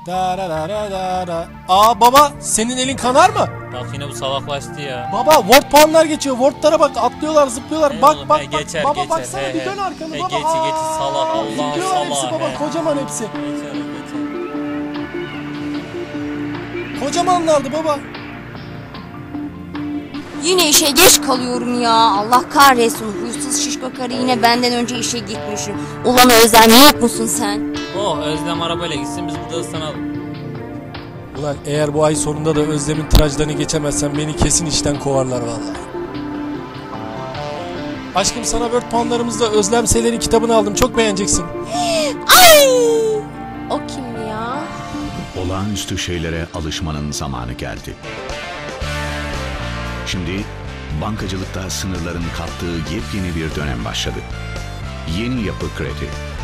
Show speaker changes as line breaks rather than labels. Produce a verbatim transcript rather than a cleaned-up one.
Da da da da da da. Aa baba, senin elin kanar mı?
Bak yine bu salaklaştı ya.
Baba Word puanlar geçiyor. Word'lara bak, atlıyorlar, zıplıyorlar.
Hey
bak
oğlum,
bak
he,
bak.
geçer,
Baba
geçer.
baksana,
He,
bir
he.
dön arkanı
He,
baba.
geçi,
Aa,
geçi, salak, Allah'ın
zıplıyorlar hepsi
salağı,
baba.
he.
Kocaman hepsi.
Geçer, geçer.
Kocamanlardı baba.
Yine işe geç kalıyorum ya. Allah kahretsin. Huysuz şişko karı yine benden önce işe gitmişim. Ulan Özlem, yok musun sen?
Oh, Özlem arabayla gitsin, biz burada ıslanalım.
Ulan eğer bu ay sonunda da Özlem'in tıraşlarını geçemezsen beni kesin işten kovarlar vallahi. Aşkım, sana Word puanlarımızda Özlem Seler'in kitabını aldım. Çok beğeneceksin.
Ay! O kim ya?
Olağanüstü şeylere alışmanın zamanı geldi. Şimdi bankacılıkta sınırların kalktığı yepyeni bir dönem başladı. Yeni Yapı Kredi.